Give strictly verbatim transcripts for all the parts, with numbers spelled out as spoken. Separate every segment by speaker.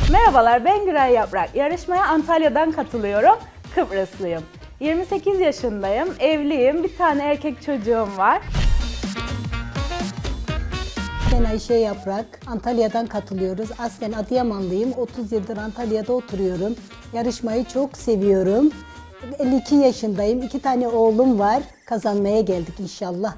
Speaker 1: Merhabalar, ben Güray Yaprak. Yarışmaya Antalya'dan katılıyorum. Kıbrıslıyım. yirmi sekiz yaşındayım, evliyim, bir tane erkek çocuğum var.
Speaker 2: Ben Ayşe Yaprak, Antalya'dan katılıyoruz. Aslen Adıyamanlıyım, otuz yıldır Antalya'da oturuyorum. Yarışmayı çok seviyorum. elli iki yaşındayım, iki tane oğlum var. Kazanmaya geldik inşallah.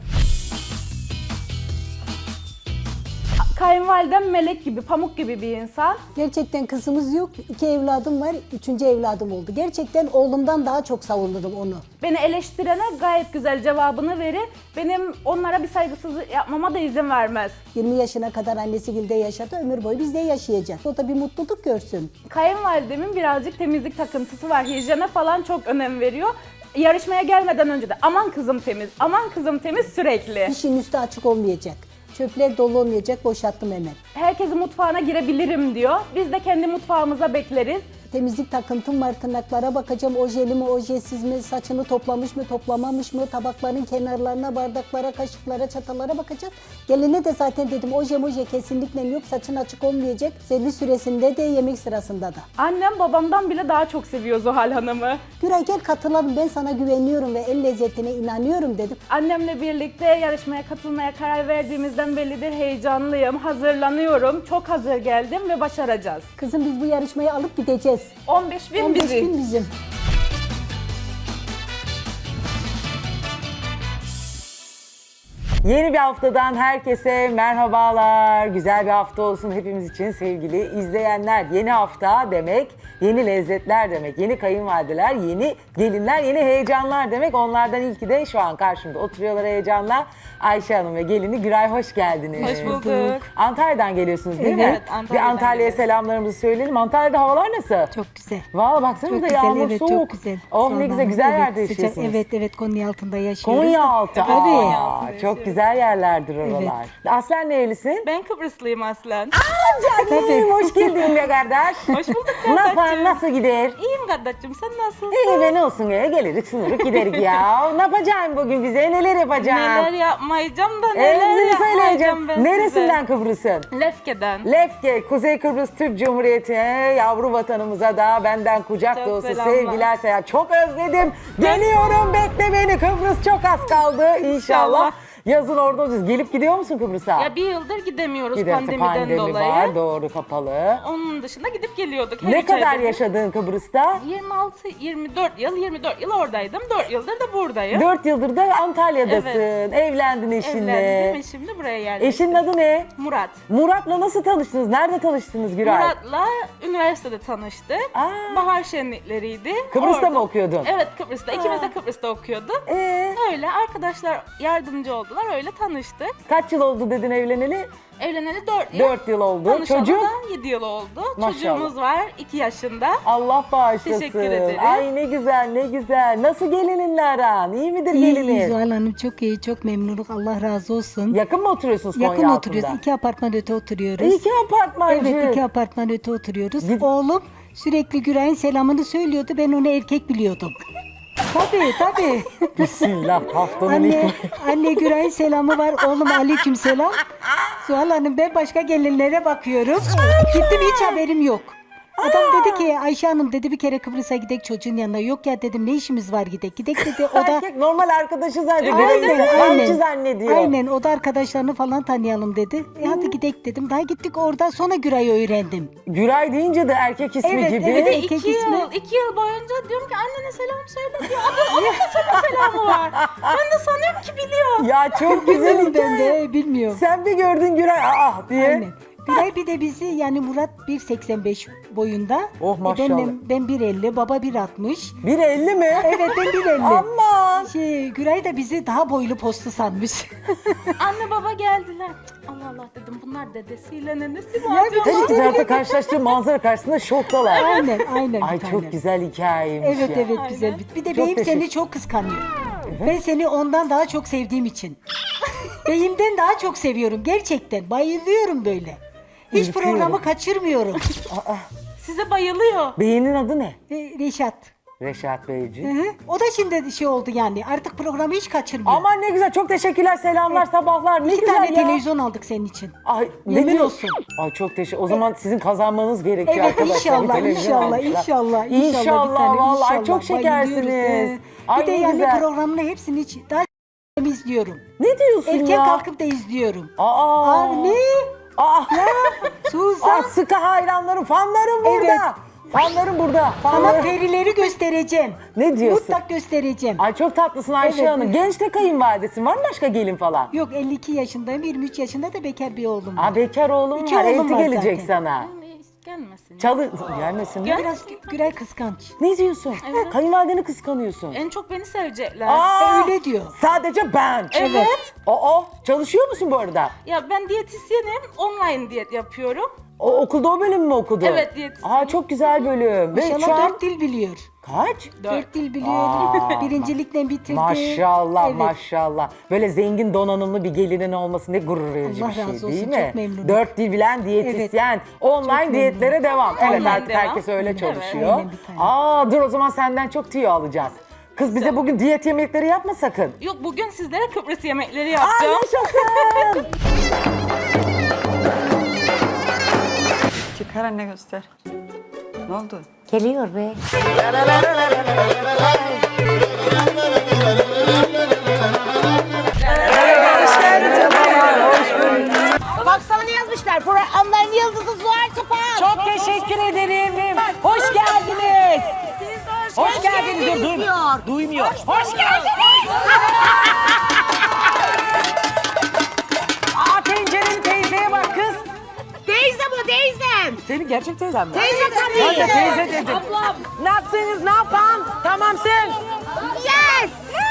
Speaker 1: Kayınvalidem melek gibi, pamuk gibi bir insan.
Speaker 2: Gerçekten kızımız yok, iki evladım var, üçüncü evladım oldu. Gerçekten oğlumdan daha çok savunurum onu.
Speaker 1: Beni eleştirene gayet güzel cevabını verir. Benim onlara bir saygısızlık yapmama da izin vermez.
Speaker 2: yirmi yaşına kadar annesi gilde yaşadı, ömür boyu bizde yaşayacak. O da bir mutluluk görsün.
Speaker 1: Kayınvalidemin birazcık temizlik takıntısı var. Hijyene falan çok önem veriyor. Yarışmaya gelmeden önce de aman kızım temiz, aman kızım temiz sürekli.
Speaker 2: İşin üstü açık olmayacak. Çöpler dolu olmayacak, boşalttım hemen.
Speaker 1: Herkesin mutfağına girebilirim diyor. Biz de kendi mutfağımıza bekleriz.
Speaker 2: Temizlik takıntım var, tırnaklara bakacağım, ojeli mi, ojesiz mi, saçını toplamış mı, toplamamış mı, tabakların kenarlarına, bardaklara, kaşıklara, çatalara bakacağım. Geline de zaten dedim oje moje kesinlikle yok, saçın açık olmayacak. Servis süresinde de, yemek sırasında da.
Speaker 1: Annem babamdan bile daha çok seviyor Zuhal Hanım'ı.
Speaker 2: Güray gel katılalım, ben sana güveniyorum ve el lezzetine inanıyorum dedim.
Speaker 1: Annemle birlikte yarışmaya katılmaya karar verdiğimizden bellidir, heyecanlıyım, hazırlanıyorum. Çok hazır geldim ve başaracağız.
Speaker 2: Kızım biz bu yarışmayı alıp gideceğiz.
Speaker 1: on beş bin
Speaker 2: on beş
Speaker 1: bizi.
Speaker 2: bin bizim.
Speaker 3: Yeni bir haftadan herkese merhabalar. Güzel bir hafta olsun hepimiz için sevgili izleyenler. Yeni hafta demek, yeni lezzetler demek, yeni kayınvalideler, yeni gelinler, yeni heyecanlar demek. Onlardan ilki de şu an karşımda oturuyorlar heyecanla. Ayşe Hanım ve gelini Güray, hoş geldiniz.
Speaker 1: Hoş bulduk.
Speaker 3: Antalya'dan geliyorsunuz değil mi?
Speaker 1: Evet, Antalya'dan
Speaker 3: Bir Antalya'ya
Speaker 1: geliyoruz.
Speaker 3: selamlarımızı söyleyelim. Antalya'da havalar nasıl?
Speaker 2: Çok güzel.
Speaker 3: Valla baksana
Speaker 2: Çok
Speaker 3: da
Speaker 2: güzel,
Speaker 3: yağmur
Speaker 2: evet,
Speaker 3: soğuk.
Speaker 2: çok güzel.
Speaker 3: Oh ne güzel, güzel
Speaker 2: Evet,
Speaker 3: yerde
Speaker 2: sıcak-
Speaker 3: yaşıyorsunuz.
Speaker 2: Evet, evet, Konya altında yaşıyoruz.
Speaker 3: Konya
Speaker 2: da.
Speaker 3: altı.
Speaker 2: Tabii.
Speaker 3: Aa, çok güzel yerlerdir oralar. Aslen nerelisin?
Speaker 1: Ben Kıbrıslıyım aslen.
Speaker 3: Canım, hoş geldin be kardeş.
Speaker 1: Hoş bulduk
Speaker 3: Ne yapar,
Speaker 1: kardeşim.
Speaker 3: nasıl gider?
Speaker 1: İyiyim kardeşim, sen nasılsın?
Speaker 3: İyi be, ne olsun ya, gelirik sınırık giderik ya. Ne yapacağım bugün bize, neler yapacağım?
Speaker 1: Neler yapmayacağım da neler
Speaker 3: Hepsini
Speaker 1: yapmayacağım
Speaker 3: söyleyeceğim.
Speaker 1: ben
Speaker 3: Neresinden Kıbrıs'ın?
Speaker 1: size. Lefke'den.
Speaker 3: Lefke, Kuzey Kıbrıs Türk Cumhuriyeti'ne, yavru vatanımıza da benden kucak
Speaker 1: Çok
Speaker 3: dolusu
Speaker 1: selamlar.
Speaker 3: sevgiler selam. Çok özledim. Geliyorum, bekle beni. Kıbrıs çok az kaldı inşallah.
Speaker 1: İnşallah.
Speaker 3: Yazın orada olacağız. Gelip gidiyor musun Kıbrıs'a?
Speaker 1: Ya bir yıldır gidemiyoruz
Speaker 3: Gidersin,
Speaker 1: pandemiden
Speaker 3: pandemi
Speaker 1: dolayı.
Speaker 3: var, doğru, kapalı.
Speaker 1: Onun dışında gidip geliyorduk. her
Speaker 3: Ne
Speaker 1: üç
Speaker 3: kadar
Speaker 1: ayda bir.
Speaker 3: yaşadın Kıbrıs'ta?
Speaker 1: yirmi altı yirmi dört yıl, yirmi dört yıl oradaydım. dört yıldır da buradayım.
Speaker 3: Dört yıldır da Antalya'dasın.
Speaker 1: Evet.
Speaker 3: Evlendin eşinle.
Speaker 1: Evlendim ve şimdi buraya geldim.
Speaker 3: Eşinin adı ne?
Speaker 1: Murat.
Speaker 3: Murat'la nasıl tanıştınız? Nerede tanıştınız Güray?
Speaker 1: Murat'la üniversitede tanıştık.
Speaker 3: Aa.
Speaker 1: Bahar şenlikleriydi.
Speaker 3: Kıbrıs'ta
Speaker 1: Orada-
Speaker 3: mı okuyordun?
Speaker 1: Evet, Kıbrıs'ta. İkimiz de Kıbrıs'ta okuyorduk.
Speaker 3: Ee,
Speaker 1: Öyle arkadaşlar yardımcı oldular. Öyle tanıştık.
Speaker 3: kaç yıl oldu dedin evleneli?
Speaker 1: Evleneli dört yıl.
Speaker 3: Dört yıl oldu.
Speaker 1: Tanışalı
Speaker 3: Çocuk?
Speaker 1: da yedi yıl oldu.
Speaker 3: Maşallah.
Speaker 1: Çocuğumuz var iki yaşında.
Speaker 3: Allah bağışlasın.
Speaker 1: Teşekkür ederim.
Speaker 3: Ay ne güzel, ne güzel. Nasıl gelininle aran? İyi midir
Speaker 2: İyi, iyi
Speaker 3: gelinin?
Speaker 2: Zuhal Hanım, çok iyi, çok memnunum. Allah razı olsun.
Speaker 3: Yakın mı oturuyorsunuz Konya
Speaker 2: Yakın
Speaker 3: altında?
Speaker 2: oturuyoruz, iki apartman öte oturuyoruz.
Speaker 3: İki apartmancı.
Speaker 2: Evet, iki apartman öte oturuyoruz.
Speaker 3: Gid-
Speaker 2: Oğlum sürekli Güray'ın selamını söylüyordu, ben onu erkek biliyordum. Tabii, tabii.
Speaker 3: Bismillah, haftanın
Speaker 2: Anne,
Speaker 3: ilk...
Speaker 2: anne Güray'ın selamı var, oğlum aleyküm selam. Zuhal Hanım, ben başka gelinlere bakıyorum. Gittim, hiç haberim yok. Adam dedi ki, Ayşe Hanım dedi, bir kere Kıbrıs'a gidek çocuğun yanına. Yok ya dedim, ne işimiz var gidek. Gidek dedi, o da...
Speaker 3: Erkek normal arkadaşı zannediyor.
Speaker 2: Aynen,
Speaker 3: Aynen,
Speaker 2: aynen.
Speaker 3: zannediyor.
Speaker 2: Aynen, o da arkadaşlarını falan tanıyalım dedi. E hadi gidek dedim. Daha gittik, orada sonra Güray'ı öğrendim.
Speaker 3: Güray deyince de erkek ismi
Speaker 2: Evet,
Speaker 3: gibi.
Speaker 2: evet.
Speaker 1: Bir de
Speaker 2: Erkek
Speaker 1: iki
Speaker 2: ismi-
Speaker 1: yıl, iki yıl boyunca diyorum ki annene selam söyle diyor. Onun, onun da sana selamı var. Ben de sanıyorum ki biliyor.
Speaker 3: Ya çok güzel
Speaker 2: Bilmiyorum ben
Speaker 3: hikaye.
Speaker 2: de, bilmiyorum.
Speaker 3: Sen bir gördün Güray, ah diye.
Speaker 2: Aynen. Güray bir de bizi, yani Murat bir seksen beş boyunda.
Speaker 3: Oh,
Speaker 2: E
Speaker 3: maşallah.
Speaker 2: Ben, ben bir elli, baba bir altmış.
Speaker 3: bir elli mi?
Speaker 2: Evet, ben bir elli.
Speaker 3: Aman.
Speaker 2: Şey, Güray da bizi daha boylu postlu sanmış.
Speaker 1: Anne baba geldiler. Cık, Allah Allah dedim, bunlar dedesiyle nenesi mi
Speaker 2: Ya
Speaker 1: acaba?
Speaker 3: Tabii ki zaten karşılaştığı manzara karşısında şoktalar.
Speaker 2: aynen, aynen.
Speaker 3: Ay
Speaker 2: bir tane.
Speaker 3: çok güzel hikayeymiş
Speaker 2: Evet,
Speaker 3: ya.
Speaker 2: evet, güzel. Bir- Bir de
Speaker 3: Çok
Speaker 2: beyim
Speaker 3: teşekkür-
Speaker 2: seni çok kıskanıyor. Ben seni ondan daha çok sevdiğim için. Beyimden daha çok seviyorum gerçekten. Bayılıyorum böyle. Hiç
Speaker 3: Ürküyorum.
Speaker 2: programı kaçırmıyorum.
Speaker 1: Size bayılıyor.
Speaker 3: Beyinin adı ne?
Speaker 2: E, Reşat.
Speaker 3: Reşat Beyciğim.
Speaker 2: Hı hı. O da şimdi şey oldu yani. Artık programı hiç kaçırmıyor.
Speaker 3: Aman ne güzel, çok teşekkürler, selamlar, sabahlar. Ne
Speaker 2: İki
Speaker 3: güzel
Speaker 2: tane
Speaker 3: ya.
Speaker 2: televizyon aldık senin için.
Speaker 3: Ay, ne
Speaker 2: Yemin
Speaker 3: diyor-
Speaker 2: olsun.
Speaker 3: Ay çok teşekkür. O zaman sizin kazanmanız gerekiyor
Speaker 2: Evet,
Speaker 3: arkadaşlar.
Speaker 2: inşallah,
Speaker 3: Bir televizyon
Speaker 2: inşallah,
Speaker 3: almışlar.
Speaker 2: inşallah, inşallah,
Speaker 3: İnşallah,
Speaker 2: bir tane,
Speaker 3: vallahi
Speaker 2: inşallah.
Speaker 3: çok şekersiniz.
Speaker 2: Bayılıyoruz, he.
Speaker 3: Ay
Speaker 2: Bir de
Speaker 3: ne
Speaker 2: yani
Speaker 3: güzel.
Speaker 2: programını hepsini hiç daha izliyorum.
Speaker 3: Ne diyorsun
Speaker 2: Erken
Speaker 3: ya?
Speaker 2: kalkıp da izliyorum.
Speaker 3: Aa.
Speaker 2: Aa, ne?
Speaker 3: Aa.
Speaker 2: Suzan.
Speaker 3: Aa, sıkı hayranlarım, fanlarım burada.
Speaker 2: Evet.
Speaker 3: Fanlarım burada.
Speaker 2: Sana
Speaker 3: Fanlarım.
Speaker 2: perileri göstereceğim.
Speaker 3: Ne diyorsun?
Speaker 2: Mutlak göstereceğim.
Speaker 3: Ay çok tatlısın Ayşe
Speaker 2: Evet.
Speaker 3: Hanım. Genç de kayınvalidesin. Var mı başka gelin falan?
Speaker 2: Yok elli iki yaşındayım, yirmi üç yaşında da bekar bir oğlum var.
Speaker 3: Aa, bekar oğlum
Speaker 2: İki
Speaker 3: var.
Speaker 2: oğlum
Speaker 3: Elti
Speaker 2: var
Speaker 3: gelecek
Speaker 2: zaten.
Speaker 3: sana.
Speaker 1: Gelmesin.
Speaker 3: Çalı... Gelmesin mi?
Speaker 2: Biraz Gürel kıskanç.
Speaker 3: Ne diyorsun? Kayınvalideni kıskanıyorsun.
Speaker 1: En çok beni sevecekler.
Speaker 3: Aa,
Speaker 2: öyle diyor.
Speaker 3: Sadece ben.
Speaker 1: Evet.
Speaker 3: Aa, çalışıyor musun bu arada?
Speaker 1: Ya ben diyetisyenim, online diyet yapıyorum.
Speaker 3: O okulda o bölüm mü okudun?
Speaker 1: Evet, diyetisyen.
Speaker 3: Aa, çok güzel bölüm. Ve şu
Speaker 2: İnşallah
Speaker 3: an
Speaker 2: dört dil biliyor.
Speaker 3: kaç?
Speaker 2: Dört dil biliyor.
Speaker 3: Aa,
Speaker 2: Birincilikten bitirdi.
Speaker 3: Maşallah
Speaker 2: Evet.
Speaker 3: maşallah. Böyle zengin donanımlı bir gelinin olması ne gurur verici
Speaker 2: Allah
Speaker 3: bir şey
Speaker 2: razı
Speaker 3: değil
Speaker 2: olsun,
Speaker 3: mi?
Speaker 2: çok memnunum.
Speaker 3: Dört dil bilen diyetisyen. Online
Speaker 2: Çok
Speaker 3: diyetlere devam. Evet
Speaker 1: Online
Speaker 3: artık
Speaker 1: devam.
Speaker 3: herkes öyle
Speaker 1: Evet.
Speaker 3: çalışıyor.
Speaker 2: Aynen, bir tane.
Speaker 3: Aa, dur o zaman senden çok tüyo alacağız. Kız bize bugün diyet yemekleri yapma sakın.
Speaker 1: Yok, bugün sizlere Kıbrıs yemekleri
Speaker 3: Aa,
Speaker 1: yapacağım.
Speaker 3: yaşasın.
Speaker 4: Çıkar anne göster. Ne oldu?
Speaker 5: Geliyor be.
Speaker 6: Baksana ne yazmışlar. Programların yıldızı Zuhal Topal.
Speaker 3: Çok teşekkür ederim. Hoş geldiniz. Hoş geldiniz. Dur, dur. Duymuyor. Hoş geldiniz. Aa, tencereli teyzeye bak kız.
Speaker 6: Teyze bu teyzem.
Speaker 3: Senin gerçek teyzen mi?
Speaker 6: Teyze
Speaker 3: Ben de
Speaker 6: tabii.
Speaker 3: teyze dedim.
Speaker 6: Ablam.
Speaker 3: Nasılsınız, ne yapan? Tamamsın.
Speaker 6: Yes.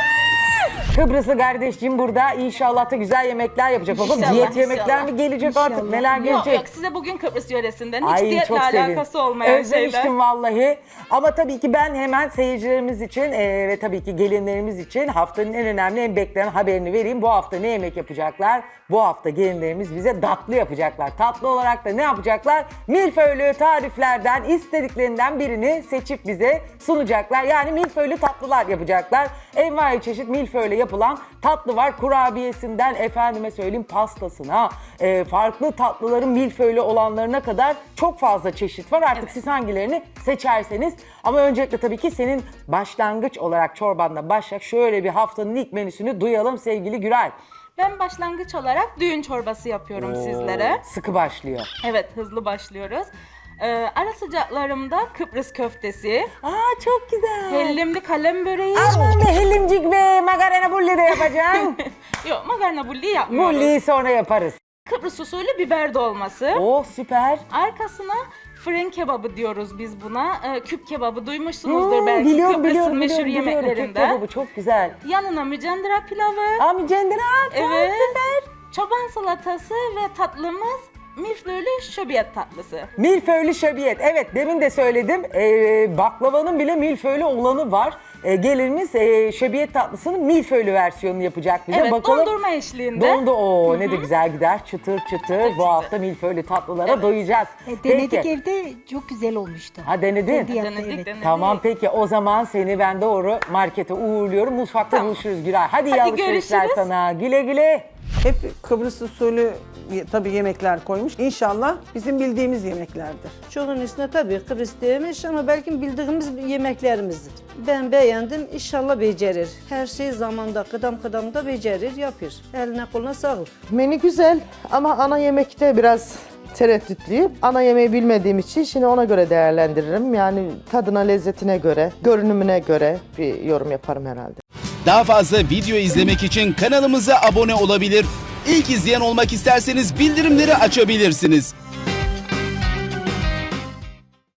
Speaker 3: Kıbrıslı kardeşciğim burada. İnşallah da güzel yemekler yapacak. Bakalım
Speaker 1: İnşallah,
Speaker 3: diyet yemekler
Speaker 1: inşallah.
Speaker 3: mi gelecek artık?
Speaker 2: İnşallah.
Speaker 3: Neler
Speaker 1: Yok
Speaker 3: gelecek?
Speaker 1: yok, size bugün Kıbrıs yöresinden hiç
Speaker 3: Ay,
Speaker 1: diyetle
Speaker 3: çok sevin.
Speaker 1: alakası olmayan
Speaker 3: Özlemiştim
Speaker 1: şeyler.
Speaker 3: vallahi. Ama tabii ki ben hemen seyircilerimiz için e, ve tabii ki gelinlerimiz için haftanın en önemli, en beklenen haberini vereyim. Bu hafta ne yemek yapacaklar? Bu hafta gelinlerimiz bize tatlı yapacaklar. Tatlı olarak da ne yapacaklar? Milföylü tariflerden, istediklerinden birini seçip bize sunacaklar. Yani milföylü tatlılar yapacaklar. Envai çeşit milföyle yapılan tatlı var. Kurabiyesinden efendime söyleyeyim pastasına, e, farklı tatlıların milföylü olanlarına kadar çok fazla çeşit var. Artık siz hangilerini seçerseniz. Ama öncelikle tabii ki senin başlangıç olarak çorbanla başlayacak şöyle bir haftanın ilk menüsünü duyalım sevgili Güray.
Speaker 1: Ben başlangıç olarak düğün çorbası yapıyorum sizlere.
Speaker 3: Sıkı başlıyor.
Speaker 1: Evet, hızlı başlıyoruz. Ee, ara sıcaklarımda Kıbrıs köftesi,
Speaker 3: Aa, çok güzel.
Speaker 1: hellimli kalem böreği.
Speaker 3: Aman be hellimcik be, makarna bulli de yapacağım.
Speaker 1: Yok, makarna bulli yapmıyoruz.
Speaker 3: Bulliyi sonra yaparız.
Speaker 1: Kıbrıs usulü biber dolması.
Speaker 3: Oh süper.
Speaker 1: Arkasına fırın kebabı diyoruz biz buna. Ee, küp kebabı duymuşsunuzdur
Speaker 3: Hmm,
Speaker 1: belki
Speaker 3: biliyorum
Speaker 1: Kıbrıs'ın
Speaker 3: biliyorum
Speaker 1: meşhur
Speaker 3: biliyorum. biliyorum. Kek
Speaker 1: yemeklerinden.
Speaker 3: kebabı çok güzel.
Speaker 1: Yanına mücendira pilavı.
Speaker 3: Aa, mücendire at.
Speaker 1: Evet. Çoban salatası ve tatlımız milföylü şöbiyet tatlısı.
Speaker 3: Milföylü şöbiyet. Evet demin de söyledim. Ee, baklavanın bile milföylü olanı var. Ee, gelinimiz e, şöbiyet tatlısının milföylü versiyonunu yapacak bize.
Speaker 1: Evet,
Speaker 3: Bakalım.
Speaker 1: dondurma eşliğinde.
Speaker 3: Dondu o ne de güzel gider çıtır çıtır. Bu hafta milföylü tatlılara doyacağız.
Speaker 2: E, denedik
Speaker 3: Peki.
Speaker 2: evde çok güzel olmuştu.
Speaker 3: Ha denedin.
Speaker 2: Kendi yaptı,
Speaker 1: Denedik,
Speaker 2: evet.
Speaker 1: denedik.
Speaker 3: Tamam peki o zaman seni ben doğru markete uğurluyorum. Mutfakta
Speaker 1: Tamam.
Speaker 3: buluşuruz Güray. Hadi, iyi
Speaker 1: Hadi
Speaker 3: alışverişler
Speaker 1: görüşürüz.
Speaker 3: sana. Güle güle.
Speaker 7: Hep Kıbrıs usulü ye- tabii yemekler koymuş. İnşallah bizim bildiğimiz yemeklerdir.
Speaker 8: Çoğunun üstüne tabii Kıbrıs demiş ama belki bildiğimiz yemeklerimizdir. Ben beğendim, inşallah becerir. Her şey zamanda, kıdam kıdamda becerir, yapır. Eline koluna sağlık.
Speaker 9: Menü güzel ama ana yemekte biraz tereddütlüyüm. Ana yemeği bilmediğim için şimdi ona göre değerlendiririm. Yani tadına, lezzetine göre, görünümüne göre bir yorum yaparım herhalde.
Speaker 10: Daha fazla video izlemek için kanalımıza abone olabilir. İlk izleyen olmak isterseniz bildirimleri açabilirsiniz.